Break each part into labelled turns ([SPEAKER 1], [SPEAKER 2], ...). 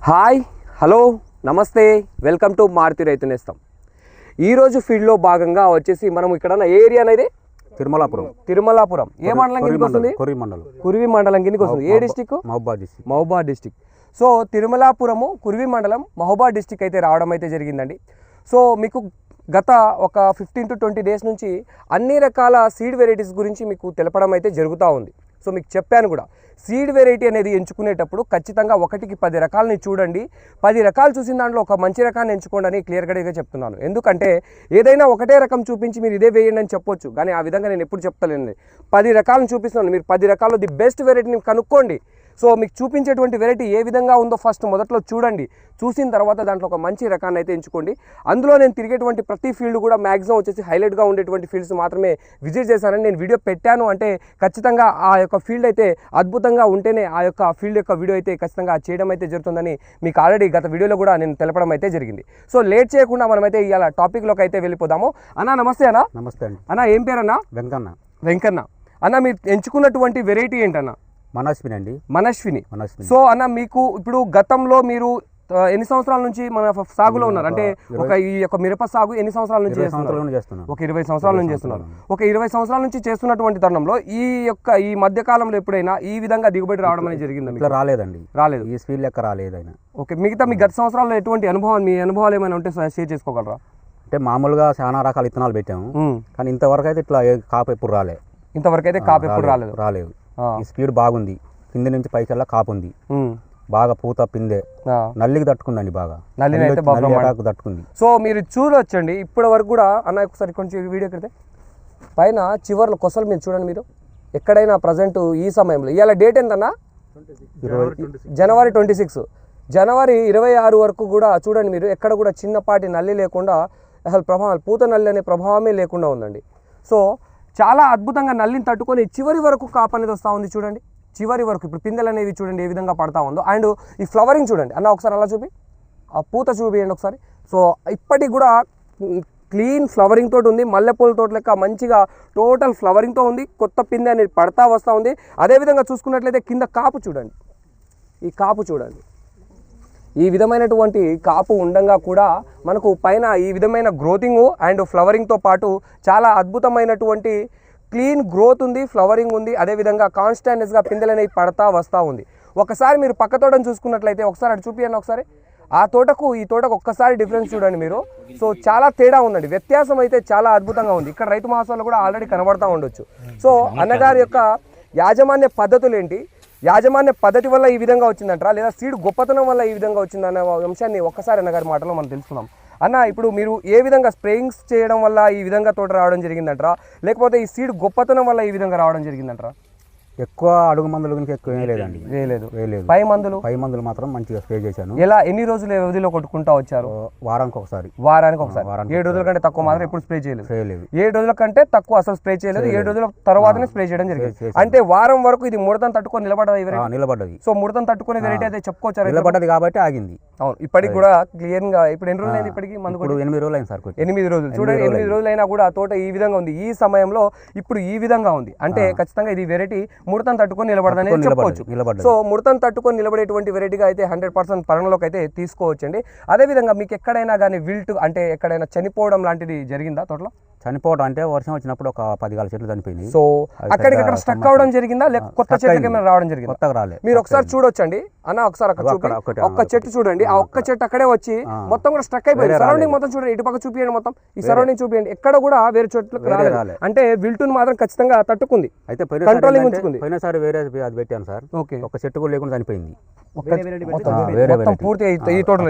[SPEAKER 1] Hi hello నమస్తే welcome to Maruti Rythu Nestham. ఈరోజు ఫీల్డ్లో భాగంగా వచ్చేసి మనం ఇక్కడ ఏరియా అనేది తిరుమలాపురం ఏ మండలం కిందకి వస్తుంది? కురివి మండలం కిందకి వస్తుంది. ఏ district? Mahabubabad district. So Thirumalapuram Kurivi మండలం మహబూబాద్ డిస్టిక్ అయితే రావడం అయితే జరిగిందండి. సో మీకు గత ఒక 15 to 20 డేస్ నుంచి అన్ని రకాల సీడ్ వెరైటీస్ గురించి మీకు తెలపడం అయితే జరుగుతూ ఉంది. సో మీకు చెప్పాను కూడా, సీడ్ వెరైటీ అనేది ఎంచుకునేటప్పుడు ఖచ్చితంగా 1కి 10 రకాలని చూడండి. 10 రకాలు చూసిన దాంట్లో ఒక మంచి రకాన్ని ఎంచుకోండి అని క్లియర్గా చెప్తున్నాను. ఎందుకంటే ఏదైనా ఒకటే రకం చూపించి మీరు ఇదే వేయండి అని చెప్పొచ్చు, కానీ ఆ విధంగా నేను ఎప్పుడు చెప్తలేను. 10 రకాలను చూపిస్తున్నాను, మీరు 10 రకాల్లో ది బెస్ట్ వెరైటీని కనుక్కోండి. సో మీకు చూపించేటువంటి వెరైటీ ఏ విధంగా ఉందో ఫస్ట్ మొదట్లో చూడండి. చూసిన తర్వాత దాంట్లో ఒక మంచి రకాన్ని అయితే ఎంచుకోండి. అందులో నేను తిరిగేటువంటి ప్రతి ఫీల్డ్ కూడా మ్యాక్సిమం వచ్చేసి హైలైట్గా ఉండేటువంటి ఫీల్డ్స్ మాత్రమే విజిట్ చేశానని నేను వీడియో పెట్టాను. అంటే ఖచ్చితంగా ఆ యొక్క ఫీల్డ్ అయితే అద్భుతంగా ఉంటేనే ఆ యొక్క ఫీల్డ్ యొక్క వీడియో అయితే ఖచ్చితంగా చేయడం అయితే జరుగుతుందని మీకు ఆల్రెడీ గత వీడియోలో కూడా నేను తెలపడం అయితే జరిగింది. సో లేట్ చేయకుండా మనమైతే ఇవాళ టాపిక్లోకి అయితే వెళ్ళిపోదాము. అన్న నమస్తే. అన్న నమస్తే అండి. అన్న ఏం పేరు అన్న? వెంకన్న. అన్న మీరు ఎంచుకున్నటువంటి వెరైటీ ఏంటన్నా? మనస్విని. సో అన్న మీకు ఇప్పుడు గతంలో మీరు ఎన్ని సంవత్సరాల నుంచి మన సాగులో ఉన్నారు? అంటే ఈ యొక్క మిరప సాగు ఎన్ని సంవత్సరాల నుంచి చేస్తున్నారు? ఒక 20 సంవత్సరాల నుంచి చేస్తున్నారు. ఒక 20 సంవత్సరాల నుంచి చేస్తున్నటువంటి తరుణంలో ఈ మధ్య కాలంలో ఎప్పుడైనా ఈ విధంగా దిగుబడి రావడం అనేది జరిగిందా? రాలేదు.
[SPEAKER 2] ఈ స్పీడ్ లెక్క రాలేదు.
[SPEAKER 1] ఓకే, మిగతా మీ గత సంవత్సరాల్లో ఎటువంటి మీ అనుభవాలు ఏమైనా ఉంటే షేర్ చేసుకోగలరా?
[SPEAKER 2] అంటే మామూలుగా చాలా రకాల విత్తనాలు పెట్టాము, కానీ ఇంతవరకు అయితే ఇట్లా కాపు ఎప్పుడు రాలేదు.
[SPEAKER 1] రాలేదు.
[SPEAKER 2] ఈ స్పీడ్ బాగుంది, కింద నుంచి పైకెల్లా కాపు ఉంది, బాగా పూత పిందే, నల్లికి తట్టుకుందండి, బాగా నల్లి తట్టుకుంది.
[SPEAKER 1] సో మీరు చూడొచ్చండి ఇప్పటి వరకు కూడా. అన్న ఒకసారి కొంచెం వీడియో కడితే పైన చివర్లో కొసలు మీరు చూడండి. మీరు ఎక్కడైనా ప్రజెంట్ ఈ సమయంలో ఇవాళ డేట్ ఎంతన్నా? జనవరి 26. జనవరి 26 వరకు కూడా చూడండి మీరు, ఎక్కడ కూడా చిన్నపాటి నల్లి లేకుండా, అసలు పూత నల్లి అనే ప్రభావమే లేకుండా ఉందండి. సో చాలా అద్భుతంగా నల్లిని తట్టుకొని చివరి వరకు కాపు అనేది వస్తూ ఉంది. చూడండి చివరి వరకు ఇప్పుడు పిందెలు అనేవి చూడండి ఏ విధంగా పడతా ఉందో. అండ్ ఈ ఫ్లవరింగ్ చూడండి అన్న, ఒకసారి అలా చూపి, ఆ పూత చూపియండి ఒకసారి. సో ఇప్పటికి కూడా క్లీన్ ఫ్లవరింగ్ తోటి ఉంది, మల్లెపూల తోట లెక్క మంచిగా టోటల్ ఫ్లవరింగ్తో ఉంది. కొత్త పిందె అనేది పడతా వస్తూ ఉంది. అదేవిధంగా చూసుకున్నట్లయితే కింద కాపు చూడండి, ఈ కాపు చూడండి. ఈ విధమైనటువంటి కాపు ఉండంగా కూడా మనకు పైన ఈ విధమైన గ్రోతింగ్ అండ్ ఫ్లవరింగ్తో పాటు చాలా అద్భుతమైనటువంటి క్లీన్ గ్రోత్ ఉంది, ఫ్లవరింగ్ ఉంది. అదేవిధంగా కాన్స్టాంట్గా పిందెలు అనేవి పడతా వస్తూ ఉంది. ఒకసారి మీరు పక్క తోటను చూసుకున్నట్లయితే ఒకసారి అటు చూపియండి ఒకసారి. ఆ తోటకు ఈ తోటకు ఒక్కసారి డిఫరెన్స్ చూడండి మీరు. సో చాలా తేడా ఉందండి, వ్యత్యాసం అయితే చాలా అద్భుతంగా ఉంది. ఇక్కడ రైతు మహాసభలో కూడా ఆల్రెడీ కనబడతా ఉండొచ్చు. సో అన్నగారి యొక్క యాజమాన్య పద్ధతులు ఏంటి, యాజమాన్య పద్ధతి వల్ల ఈ విధంగా వచ్చిందంటారా, లేదా సీడ్ గొప్పతనం వల్ల ఈ విధంగా వచ్చిందన్న అంశాన్ని ఒక్కసారి అన్నగారి మాటలో మనం తెలుసుకుందాం. అన్న ఇప్పుడు మీరు ఏ విధంగా స్ప్రేయింగ్స్ చేయడం వల్ల ఈ విధంగా తోట రావడం జరిగిందంటారా, లేకపోతే ఈ సీడ్ గొప్పతనం వల్ల ఈ విధంగా రావడం జరిగిందంటారా?
[SPEAKER 2] ఎక్కువ అడుగు మందులు గురించి ఎక్కువ వేయలేదండి.
[SPEAKER 1] వేయలేదు. పై మందులు
[SPEAKER 2] మాత్రం మంచిగా స్ప్రే చేశాను.
[SPEAKER 1] ఎలా ఎన్ని రోజుల వ్యవధిలో కొట్టుకుంటా వచ్చారు?
[SPEAKER 2] వారానికి ఒకసారి.
[SPEAKER 1] 7 రోజుల కంటే తక్కువ మాత్రం ఎప్పుడు స్ప్రే చేయలేదు. 7 రోజుల కంటే తక్కువ అసలు స్ప్రే చేయలేదు. 7 రోజుల తర్వాతనే స్ప్రే చేయడం జరిగింది. అంటే వారం వరకు ఇది ముడతను తట్టుకొని నిలబడ్డది. సో ముడతను తట్టుకునే వెరైటీ అయితే చెప్పుకోవచ్చు.
[SPEAKER 2] నిలబడ్డది కాబట్టి ఆగింది.
[SPEAKER 1] అవును, ఇప్పటికి కూడా క్లియర్ గా. ఇప్పుడు ఎన్ని రోజులు అయింది? ఇప్పటికి మందు
[SPEAKER 2] 8 రోజులు అయింది సార్.
[SPEAKER 1] 8 రోజులు చూడండి. 8 రోజులు అయినా కూడా తోట ఈ విధంగా ఉంది. ఈ సమయంలో ఇప్పుడు ఈ విధంగా ఉంది అంటే ఖచ్చితంగా ఇది వెరైటీ ముడతను తట్టుకొని నిలబడదని చెప్పవచ్చు. సో ముడతను తట్టుకొని నిలబడేటువంటి వెరైటీగా అయితే 100% పరిగణలోకి అయితే తీసుకోవచ్చండి. అదేవిధంగా మీకు ఎక్కడైనా కానీ విల్ట్ అంటే ఎక్కడైనా చనిపోవడం లాంటిది జరిగిందా తోటలో?
[SPEAKER 2] చనిపోవడం అంటే వర్షం వచ్చినప్పుడు ఒక 10 చెట్లు చనిపోయింది.
[SPEAKER 1] సో అక్కడికక్కడ స్టక్ అవడం జరిగిందా, లేక కొత్త చెట్లకి ఏమైనా రావడం జరిగింది?
[SPEAKER 2] కొత్తగా రాలేదు.
[SPEAKER 1] మీరు ఒకసారి చూడొచ్చండి అన్న, ఒకసారి ఒక్క చెట్టు చూడండి. ఆ ఒక్క చెట్టు అక్కడే వచ్చి మొత్తం కూడా స్టక్ అయిపోయింది. సరౌండింగ్ మొత్తం చూడండి, ఇటు పక్క చూపియండి, మొత్తం ఈ సరౌండింగ్ చూపియండి. ఎక్కడ కూడా వేరే చెట్లకు రాలేదు. అంటే విల్టును మాత్రం ఖచ్చితంగా తట్టుకుంది,
[SPEAKER 2] అయితే
[SPEAKER 1] కంట్రోలింగ్ ఉంచుకుంది.
[SPEAKER 2] పోయినసారి వేరే అది పెట్టాను సార్. ఓకే, ఒక చెట్టు కూడా లేకుండా చనిపోయింది.
[SPEAKER 1] పూర్తి ఈ తోటలో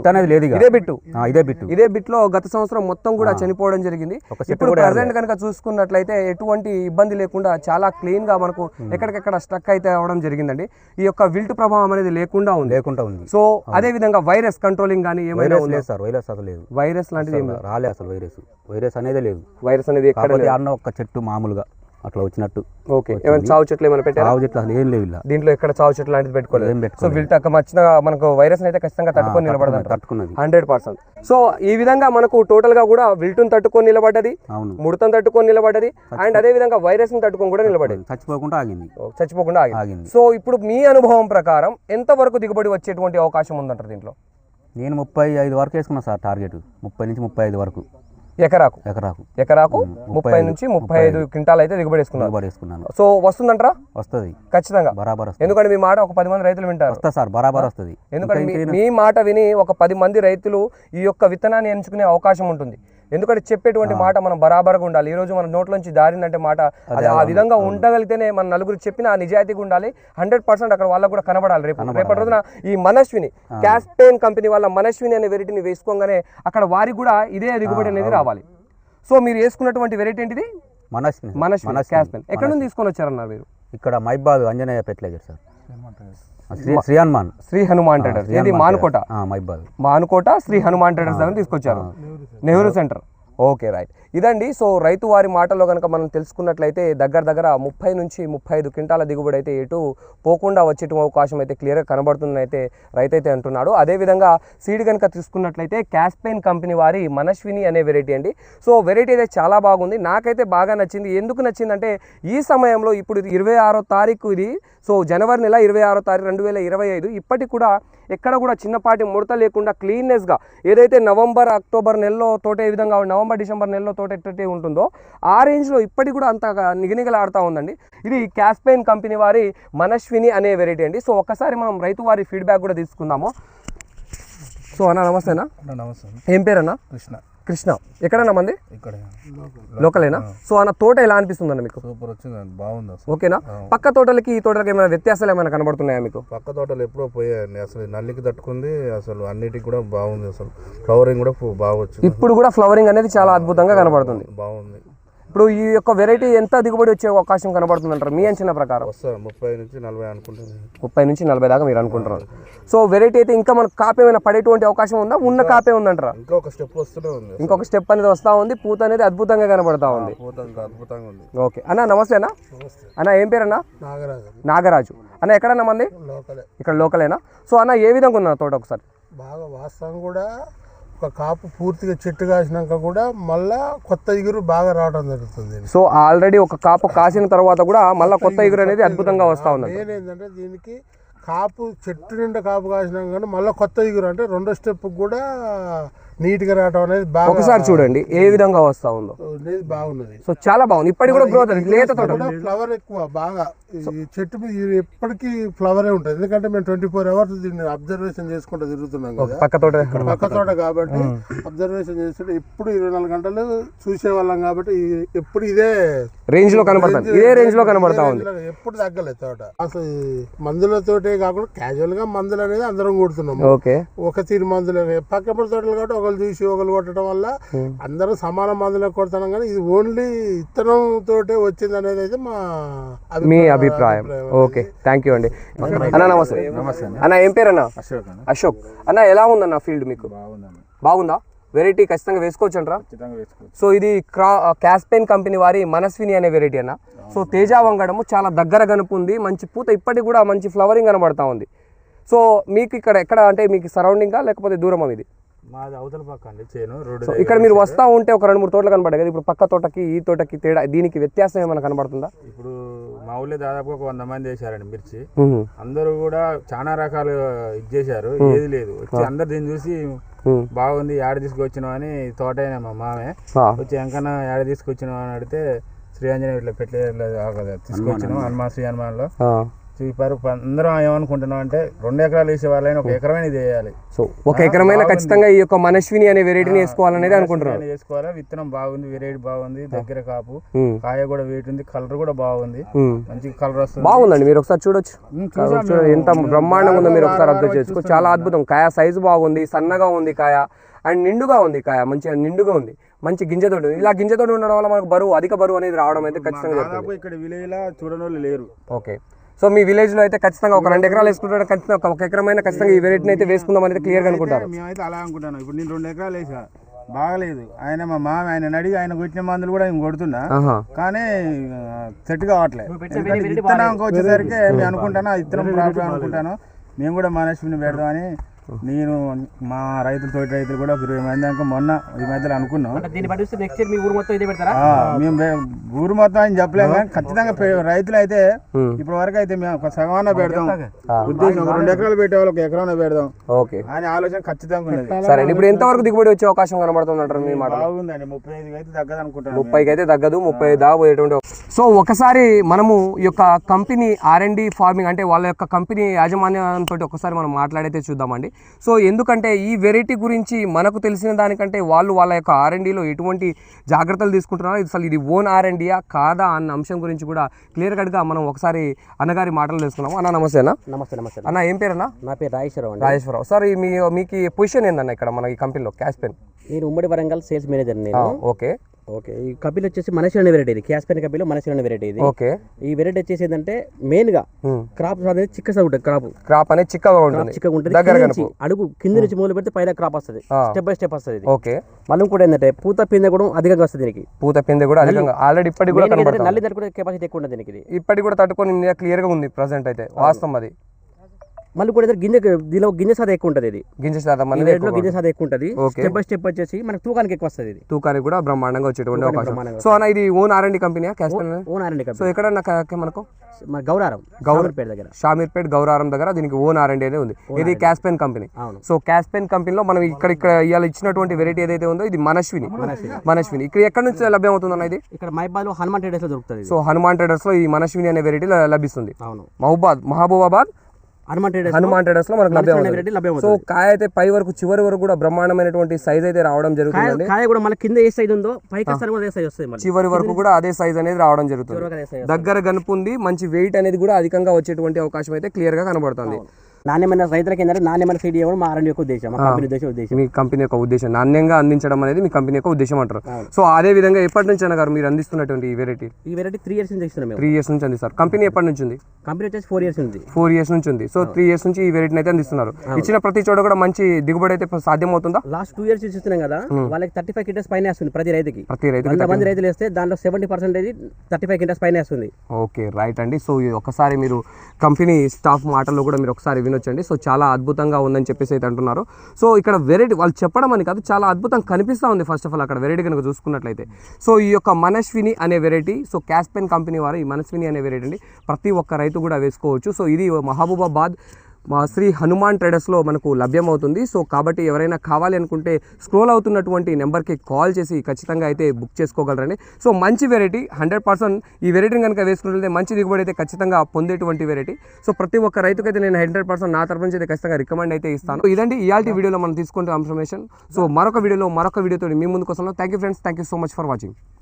[SPEAKER 1] ఇదే బిట్ లో గత సంవత్సరం మొత్తం కూడా చనిపోవడం జరిగింది. ఇప్పుడు ప్రెసెంట్ కనుక చూసుకున్నట్లయితే ఎటువంటి ఇబ్బంది లేకుండా చాలా క్లీన్ గా మనకు ఎక్కడికెక్కడ స్టక్ అయితే అవడం జరిగిందండి. ఈ యొక్క విల్ట్ ప్రభావం అనేది లేకుండా ఉంది. సో అదే విధంగా వైరస్ కంట్రోలింగ్ కానీ ఏమైనా
[SPEAKER 2] లేదు సార్. వైరస్ అసలు లేదు.
[SPEAKER 1] వైరస్ లాంటిది
[SPEAKER 2] రాలేదు అసలు. వైరస్ అనేది లేదు.
[SPEAKER 1] వైరస్ అనేది ఎక్కడ
[SPEAKER 2] ఒక్క చెట్టు మామూలుగా అట్లా వచ్చినట్టు.
[SPEAKER 1] ఓకే, ఏమైనా చావు చెట్లు ఏమైనా పెట్టారా?
[SPEAKER 2] చావు చెట్లు అసలు ఏం లేవు ఇలా.
[SPEAKER 1] దీంట్లో ఎక్కడ చావు చెట్లు లాంటిది పెట్టుకోలేదు.
[SPEAKER 2] ఏం
[SPEAKER 1] సో
[SPEAKER 2] పెట్టుకోలేదు.
[SPEAKER 1] వీళ్ళకి వచ్చిన మనకు వైరస్ అయితే ఖచ్చితంగా తట్టుకొని నిలబడదు,
[SPEAKER 2] తట్టుకున్నది
[SPEAKER 1] 100%. సో ఈ విధంగా మనకు టోటల్ గా కూడా విల్టును తట్టుకొని నిలబడ్డది,
[SPEAKER 2] అవును,
[SPEAKER 1] ముడతను తట్టుకొని నిలబడ్డది, అండ్ అదే విధంగా వైరస్ ని తట్టుకొని కూడా నిలబడేది,
[SPEAKER 2] చచ్చిపోకుండా ఆగింది.
[SPEAKER 1] చచ్చిపోకుండా ఆగింది. సో ఇప్పుడు మీ అనుభవం ప్రకారం ఎంత వరకు దిగుబడి వచ్చేటువంటి అవకాశం ఉందంటారు దీంట్లో?
[SPEAKER 2] నేను 35 వరకు వేసుకున్నా సార్ టార్గెట్, 30 నుంచి 35 వరకు
[SPEAKER 1] ఎకరాకు. 30 నుంచి 35 క్వింటాల్ అయితే దిగుబడి వేసుకున్నాను. సో వస్తుందంటారా? వస్తుంది ఖచ్చితంగా, బరాబర్. ఎందుకంటే మీ మాట ఒక 10 మంది రైతులు వింటారు. వస్తా సార్, బరాబర్ వస్తుంది. ఎందుకంటే మీ మాట విని ఒక 10 మంది రైతులు ఈ యొక్క విత్తనాన్ని ఎంచుకునే అవకాశం ఉంటుంది. ఎందుకంటే చెప్పేటువంటి మాట మనం బరాబర్గా ఉండాలి. ఈ రోజు మన నోట్లోంచి దారిందంటే మాట అది ఆ విధంగా ఉండగలిగితేనే మన నలుగురు చెప్పిన ఆ నిజాయితీగా ఉండాలి. 100% అక్కడ వాళ్ళకు కూడా కనబడాలి. రేపటి రోజున ఈ మనస్విని క్యాస్పెయిన్ కంపెనీ వాళ్ళ మనస్విని అనే వెరైటీని వేసుకోగానే అక్కడ వారికి కూడా ఇదే దిగుబడి అనేది రావాలి. సో మీరు వేసుకున్నటువంటి వెరైటీ ఏంటిది? మనస్విని క్యాస్పెయిన్. ఎక్కడ నుంచి తీసుకొని వచ్చారన్నారు మీరు?
[SPEAKER 2] ఇక్కడ మైబాద్ Anjaneya fertiliser sir, Shri Hanuman traders. ఇది మానుకోట, మానుకోట శ్రీ హనుమాన్ ట్రేడర్స్ దగ్గర తీసుకొచ్చారు, నెహ్రూ సెంటర్. Okay, right. ఇదండి. సో రైతు వారి మాటల్లో కనుక మనం తెలుసుకున్నట్లయితే దగ్గర 30 నుంచి 35 క్వింటాల దిగుబడి అయితే ఎటు పోకుండా వచ్చే అవకాశం అయితే క్లియర్గా కనబడుతుందని అయితే రైతు అయితే అంటున్నాడు. అదేవిధంగా సీడ్ కనుక తీసుకున్నట్లయితే క్యాస్పెయిన్ కంపెనీ వారి మనస్విని అనే వెరైటీ అండి. సో వెరైటీ అయితే చాలా బాగుంది, నాకైతే బాగా నచ్చింది. ఎందుకు నచ్చిందంటే ఈ సమయంలో ఇప్పుడు 26వ తారీఖు ఇది. సో జనవరి నెల 26వ తారీఖు 2025. ఇప్పటికి కూడా ఎక్కడ కూడా చిన్నపాటి ముడత లేకుండా క్లీన్నెస్గా ఏదైతే నవంబర్ అక్టోబర్ నెలలో తోట ఏ విధంగా నవంబర్ డిసెంబర్ నెలలో తోట ఎట్లయితే ఉంటుందో ఆ రేంజ్లో ఇప్పటికి కూడా అంత నిగనిగలాడుతూ ఉందండి. ఇది క్యాస్పెయిన్ కంపెనీ వారి మనస్విని అనే వెరైటీ అండి. సో ఒక్కసారి మనం రైతు వారి ఫీడ్బ్యాక్ కూడా తీసుకుందాము. సో అన్న నమస్తేనా?
[SPEAKER 3] నమస్తే.
[SPEAKER 1] ఏం పేరన్నా? కృష్ణ. ఎక్కడన్నా మంది? లోకలేనా? సో అన్న తోట ఎలా అనిపిస్తుందన్న మీకు?
[SPEAKER 3] సూపర్ వచ్చింది, బాగుంది.
[SPEAKER 1] ఓకేనా? పక్క తోటలకి ఈ తోటలకి ఏమైనా వ్యత్యాసాలు ఏమైనా కనబడుతున్నాయా మీకు?
[SPEAKER 3] పక్క తోటలు ఎప్పుడో పోయాయండి, అసలు నల్లికి తట్టుకుంది, అసలు అన్నిటికి కూడా బాగుంది, అసలు ఫ్లవరింగ్ కూడా బాగా వచ్చింది.
[SPEAKER 1] ఇప్పుడు కూడా ఫ్లవరింగ్ అనేది చాలా అద్భుతంగా కనబడుతుంది,
[SPEAKER 3] బాగుంది.
[SPEAKER 1] ఇప్పుడు ఈ యొక్క వెరైటీ ఎంత దిగుబడి వచ్చే అవకాశం కనబడుతుంది అంటారు మీ అంచనా ప్రకారం?
[SPEAKER 3] 30 నుంచి 40 అనుకుంటున్నాను.
[SPEAKER 1] 30 నుంచి 40 దాకా మీరు అనుకుంటున్నారు. సో వెరైటీ అయితే ఇంకా మనకు కాపు ఏమైనా పడేటువంటి అవకాశం ఉందా? ఉన్న కాపే ఉందంటారా?
[SPEAKER 3] ఇంకొక స్టెప్ వస్తూనే ఉంది,
[SPEAKER 1] ఇంకొక స్టెప్ అనేది వస్తూ ఉంది. పూత అనేది అద్భుతంగా కనబడతా ఉంది.
[SPEAKER 3] అద్భుతంగా ఉంది.
[SPEAKER 1] ఓకే అన్న, నమస్తే అన్న. అన్న ఏం పేరు అన్న? నాగరాజు. అన్న ఎక్కడన్నా మంది? ఇక్కడ లోకలేనా? సో అన్న ఏ విధంగా ఉన్నా తోట ఒకసారి?
[SPEAKER 4] బాగా వాస్తవం కూడా ఒక కాపు పూర్తిగా చెట్టు కాసినాక కూడా మళ్ళా కొత్త ఇగురు బాగా రావడం జరుగుతుంది.
[SPEAKER 1] సో ఆల్రెడీ ఒక కాపు కాసిన తర్వాత కూడా మళ్ళీ కొత్త ఇగురు అనేది అద్భుతంగా వస్తూ ఉంది.
[SPEAKER 4] ఏంటంటే దీనికి కాపు చెట్టు నిండా కాపు కాసినాక కానీ మళ్ళీ కొత్త ఇగురు అంటే రెండో స్టెప్ కూడా నీట్గా రావడం అనేది బాగా. ఒకసారి
[SPEAKER 1] చూడండి ఏ విధంగా వస్తూ ఉందో,
[SPEAKER 4] బాగున్నది.
[SPEAKER 1] సో చాలా బాగుంది. ఇప్పటికి కూడా గ్రోత్ లేత తోట,
[SPEAKER 4] ఫ్లవర్ ఎక్కువ బాగా. ఈ చెట్టు మీద ఎప్పటికీ ఫ్లవరే ఉంటుంది, ఎందుకంటే మేము 24 hours దీన్ని అబ్జర్వేషన్ చేసుకుంటూ తిరుగుతున్నాం కదా, పక్క తోట కాబట్టి అబ్జర్వేషన్ చేస్తుంటే ఎప్పుడు 24 గంటలు చూసేవాళ్ళం కాబట్టి ఎప్పుడు ఇదే
[SPEAKER 1] రేంజ్ లో కనబడుతుంది, ఇదే రేంజ్ లో కనబడతా ఉంది,
[SPEAKER 4] ఎప్పుడు తగ్గలేదు తోట. అసలు మందులతోటే కాకుండా క్యాజువల్ గా మందులు అనేది అందరం కొడుతున్నాం. ఒక తీరు మందులు పక్కపడి తోటలు కాబట్టి ఒకరు చూసి ఒకరు కొట్టడం వల్ల అందరూ సమాన మందులు కొడుతున్నాం, కానీ ఇది ఓన్లీ ఇత్తనం తోటే వచ్చింది అనేది అయితే మీ అభిప్రాయం.
[SPEAKER 1] ఓకే, థ్యాంక్ యూ అండి. అన్న నమస్తే. అన్న ఏం పేరు అన్న? అశోక్. అన్న ఎలా ఉందన్న ఫీల్డ్ మీకు? బాగుందా? వెరైటీ ఖచ్చితంగా వేసుకోవచ్చు అంటారా? సో ఇది క్యాస్పెయిన్ కంపెనీ వారి మనస్విని అనే వెరైటీ అన్న. సో తేజ వంగడము చాలా దగ్గర కనుపుంది, మంచి పూత ఇప్పటికి కూడా మంచి ఫ్లవరింగ్ కనబడతా ఉంది. సో మీకు ఇక్కడ ఎక్కడ అంటే మీకు సరౌండింగా లేకపోతే దూరమా ఇది?
[SPEAKER 3] మాది అవతల పక్క అండి చేను రోడ్.
[SPEAKER 1] ఇక్కడ మీరు వస్తా ఉంటే ఒక 2-3 తోటలు కనబడాయి కదా, ఇప్పుడు పక్క తోటకి ఈ తోటకి తేడా, దీనికి వ్యత్యాసం ఏమైనా కనబడుతుందా?
[SPEAKER 3] ఇప్పుడు మా ఊళ్ళో దాదాపుగా 100 మంది వేసారండి మిర్చి. అందరూ కూడా చాలా రకాలు ఇది చేశారు, ఏది లేదు. వచ్చి అందరు దీన్ని చూసి బాగుంది ఏడ తీసుకొచ్చినావు అని తోట అయినా మా మామే వచ్చి ఎంకన్నా ఏడ తీసుకొచ్చినావు అని అడిగితే శ్రీ ఆంజనేయ ఇట్లా తీసుకొచ్చినాం హనుమాన్ శ్రీ హనుమాన్లో చూపారు. అందరం ఏమనుకుంటున్నాం అంటే 2 ఎకరాలు వేసే వాళ్ళని 1 ఎకరమైన ఇది వేయాలి.
[SPEAKER 1] సో 1 ఎకరమైన ఖచ్చితంగా ఈ యొక్క మనస్విని అనే వెరైటీని వేసుకోవాలనేది అనుకుంటున్నాను.
[SPEAKER 3] వేసుకోవాలి. విత్తనం బాగుంది, వెరైటీ బాగుంది, దగ్గర కాపు, కాయ కూడా వెయిట్ ఉంది, కలర్ కూడా బాగుంది, మంచి కలర్ వస్తుంది.
[SPEAKER 1] బాగుందండి, మీరు ఒకసారి చూడొచ్చు ఎంత బ్రహ్మాండంగా ఉందో, మీరు ఒకసారి అబ్జర్వ్ చేసుకోవచ్చు. చాలా అద్భుతం. కాయ సైజు బాగుంది, సన్నగా ఉంది కాయ, అండ్ నిండుగా ఉంది కాయ, మంచిగా నిండుగా ఉంది, మంచి గింజతోటి. ఇలా గింజతోటి ఉండడం వల్ల మనకు అధిక బరువు అనేది రావడం అయితే ఖచ్చితంగా జరుగుతుంది.
[SPEAKER 3] ఇక్కడ విలేజ్ లా చూడని లేరు.
[SPEAKER 1] ఓకే, సో మీ విలేజ్ లో అయితే ఖచ్చితంగా ఒక 2 ఎకరాలు వేసుకుంటారు, ఖచ్చితంగా 1 ఎకరమైన ఖచ్చితంగా ఈ వెరైటీని అయితే వేసుకుందాం అనేది క్లియర్ గా అనుకుంటారు.
[SPEAKER 3] మేమైతే అలా అనుకుంటాను. ఇప్పుడు నేను 2 ఎకరాలు వేసా, బాగలేదు. ఆయన మా మామ ఆయన అడిగి ఆయన కొట్టిన మందులు కూడా నేను కొడుతున్నా,
[SPEAKER 2] ఆహా.
[SPEAKER 3] కానీ సెట్ కావట్లేదు. ఎందుకంటే విత్తనం వచ్చేసరికి నేను అనుకుంటాను ఆ విత్తనం ప్రాబ్లం అనుకుంటాను. మేము కూడా మనస్విని పెడదామని నేను మా తోటి రైతులు కూడా 20 మంది దాకా మొన్న ఈ మధ్యలో అనుకున్నాం. మేము ఊరు మొత్తం అని చెప్పలేము, కానీ ఖచ్చితంగా రైతులు అయితే ఇప్పటి వరకు అయితే మేము సగమాన పెడదాం ఉద్దేశం. 2 ఎకరాలు పెట్టే వాళ్ళకి ఎకరాన పెడదాం అని ఆలోచన ఖచ్చితంగా ఉన్నది.
[SPEAKER 2] సరే, ఇప్పుడు ఎంత వరకు దిగుబడి వచ్చే అవకాశం కనబడుతుంది అంటారు మీ మాట?
[SPEAKER 3] బాగుందండి, 35 అయితే తగ్గదు అనుకుంటాను.
[SPEAKER 2] 30కి అయితే తగ్గదు, 30 దాకా పోయేటువంటి. సో ఒకసారి మనము ఈ యొక్క కంపెనీ R&D ఫార్మింగ్ అంటే వాళ్ళ యొక్క కంపెనీ యాజమాన్యంతో ఒకసారి మనం మాట్లాడైతే చూద్దామండి. సో ఎందుకంటే ఈ వెరైటీ గురించి మనకు తెలిసిన దానికంటే వాళ్ళు వాళ్ళ యొక్క R&Dలో ఎటువంటి జాగ్రత్తలు తీసుకుంటున్నారో, అసలు ఇది ఓన్ R&Dయా కాదా అన్న అంశం గురించి కూడా క్లియర్ కట్గా మనం ఒకసారి అన్నగారి మాటలు తెలుసుకున్నాము. అన్న నమస్తే అన్న.
[SPEAKER 5] నమస్తే
[SPEAKER 2] అన్న, ఏం పేరు అన్న?
[SPEAKER 5] నా పేరు రాజేశ్వరరావు.
[SPEAKER 2] రాజేశ్వరరావు సార్, మీకు పొజిషన్ ఏందన్న ఇక్కడ మన ఈ కంపెనీలో క్యాస్పెన్?
[SPEAKER 5] నేను ఉమ్మడి వరంగల్ సేల్స్ మేనేజర్. నేను
[SPEAKER 2] ఓకే.
[SPEAKER 5] ఈ కంపెనీ వచ్చేసి మనసి అనే వెరైటీ, ఇది క్యాస్పెన్ కంపెనీలో మనసి అనే వెరైటీ. ఇది
[SPEAKER 2] ఓకే.
[SPEAKER 5] ఈ వెరైటీ వచ్చేసి ఏంటంటే మెయిన్ గా క్రాప్ అనేది చిక్కగా ఉంటుంది.
[SPEAKER 2] క్రాప్ అనేది చిక్కగా ఉంటుంది,
[SPEAKER 5] అడుగు కింద నుంచి మొదలు పెడితే పైన క్రాప్ వస్తుంది, స్టెప్ బై స్టెప్ వస్తుంది.
[SPEAKER 2] ఓకే.
[SPEAKER 5] మళ్ళీ కూడా ఏంటంటే పూత పిందె కూడా అధికంగా వస్తుంది దీనికి.
[SPEAKER 2] పూత పిందె కూడా అధికంగా ఆల్రెడీ ఇప్పటికి కూడా
[SPEAKER 5] నల్లి తట్టుకునే కెపాసిటీ ఎక్కువ ఉంటుంది దీనికి.
[SPEAKER 2] ఇప్పటికి కూడా తట్టుకొని క్లియర్ గా ఉంది ప్రెసెంట్ అయితే, వాస్తవం అది.
[SPEAKER 5] మళ్ళీ కూడా దీనిలో గింజ శాతం ఎక్కువ ఉంటుంది. ఇది
[SPEAKER 2] గింజ శాతం
[SPEAKER 5] గింజ శాతం ఎక్కువ ఉంటుంది. స్టెప్ బై స్టెప్ వచ్చేసి మనకు తూకానికి ఎక్కువ వస్తుంది. ఇది
[SPEAKER 2] తూకానికి కూడా బ్రహ్మాండంగా వచ్చేటువంటి అవకాశం. సో అన్న, ఇది own R&D company?
[SPEAKER 5] Own R&D company.
[SPEAKER 2] So ఎక్కడ మనకు
[SPEAKER 5] గౌరారం దగ్గర,
[SPEAKER 2] షామీర్పేట్ గౌరారం దగ్గర దీనికి ఓన్ R&D అనేది ఉంది. ఇది క్యాస్పెన్ కంపెనీ. సో క్యాస్పెన్ కంపెనీలో మనం ఇక్కడ ఇవాళ ఇచ్చినటువంటి వెరైటీ ఏదైతే ఉందో ఇది మనస్విని. ఇక్కడ ఎక్కడి నుంచి లభ్యం అవుతుంది అన్న? ఇది
[SPEAKER 5] ఇక్కడ మైబాద్ లో హనుమాన్ ట్రేడర్స్ లో దొరుకుతుంది.
[SPEAKER 2] సో హనుమాన్ ట్రేడర్స్ లో ఈ మనస్విని అనే వెరైటీ లభిస్తుంది. మహబూబాబాద్ హనుమాన్ ట్రేడర్స్ లో మనకు లభ్యం. సో కాయ అయితే పై వరకు చివరి వరకు కూడా బ్రహ్మాండమైనటువంటి సైజ్ అయితే రావడం జరుగుతుంది.
[SPEAKER 5] కాయ కూడా మన కింద ఏ సైజ్ ఉందో పైకి అదే సైజ్ వస్తుంది.
[SPEAKER 2] చివరి వరకు కూడా అదే సైజ్ అనేది రావడం జరుగుతుంది. దగ్గర గనుపు ఉంది, మంచి వెయిట్ అనేది కూడా అధికంగా వచ్చేటువంటి అవకాశం అయితే క్లియర్ గా కనబడుతుంది.
[SPEAKER 5] నాణ్యమైన రైతులకి ఏంటంటే నాణ్యమైన సీడ్ ఇవ్వడం మా R&D యొక్క ఉద్దేశం, మా కంపెనీ ఉద్దేశం.
[SPEAKER 2] మీ కంపెనీ యొక్క ఉద్దేశం నాణ్యంగా అందించడం అనేది మీ కంపెనీ యొక్క ఉద్దేశం అంటారు. సో అదే విధంగా ఎప్పటి నుంచి అన్నగారు మీరు అందిస్తున్నటువంటి ఈ వెరైటీ?
[SPEAKER 5] ఈ వెరైటీ 3 years నుంచి ఇస్తున్నాం.
[SPEAKER 2] 3 years నుంచి అందిస్తారు. కంపెనీ ఎప్పటి నుంచి ఉంది?
[SPEAKER 5] కంపెనీ వచ్చేసి 4 years ఉంది.
[SPEAKER 2] 4 years నుంచి ఉంది. సో 3 years నుంచి ఈ వెరైటీని అయితే అందిస్తున్నారు. ఇచ్చిన ప్రతి చోట కూడా మంచి దిగుబడి అయితే సాధ్యం అవుతుందా?
[SPEAKER 5] లాస్ట్ 2 years ఇస్తున్నాం కదా, వాళ్ళకి 35 క్వింటాల్స్ పైన వస్తుంది ప్రతి రైతుకి. 100 మంది రైతులు వేస్తే దాంట్లో 70% 35 క్వింటాల్స్ పైన వస్తుంది.
[SPEAKER 2] ఓకే, రైట్ అండి. సో ఒకసారి మీరు కంపెనీ స్టాఫ్ మాటల్లో కూడా మీరు ఒకసారి వినొచ్చండి. సో చాలా అద్భుతంగా ఉందని చెప్పేసి అయితే అంటున్నారు. సో ఇక్కడ వెరైటీ వాళ్ళు చెప్పడం అని కాదు, చాలా అద్భుతంగా కనిపిస్తూ ఉంది. ఫస్ట్ ఆఫ్ ఆల్ అక్కడ వెరైటీ కనుక చూసుకున్నట్లయితే, సో ఈ యొక్క మనస్విని అనే వెరైటీ, సో క్యాస్పెన్ కంపెనీ వారు ఈ మనస్విని అనే వెరైటీ అండి ప్రతి ఒక్క రైతు కూడా వేసుకోవచ్చు. సో ఇది మహబూబాబాద్ శ్రీ హనుమాన్ ట్రేడర్స్లో మనకు లభ్యమవుతుంది. సో కాబట్టి ఎవరైనా కావాలి అనుకుంటే స్క్రోల్ అవుతున్నటువంటి నెంబర్కి కాల్ చేసి ఖచ్చితంగా అయితే బుక్ చేసుకోగలరండి. సో మంచి వెరైటీ, 100% ఈ వెరైటీని కనుక వేసుకుంటే మంచి దిగుబడి అయితే ఖచ్చితంగా పొందేటువంటి వెరైటీ. సో ప్రతి ఒక్క రైతుకైతే నేను 100% నా తరపు నుంచి అయితే ఖచ్చితంగా రికమెండ్ అయితే ఇస్తాను. ఇదండి ఇయాల్టి వీడియోలో మనం తీసుకుంటే ఇన్ఫర్మేషన్. సో మరొక వీడియోతో మీ ముందుకు వస్తాను. Thank you friends, thank you so much for watching.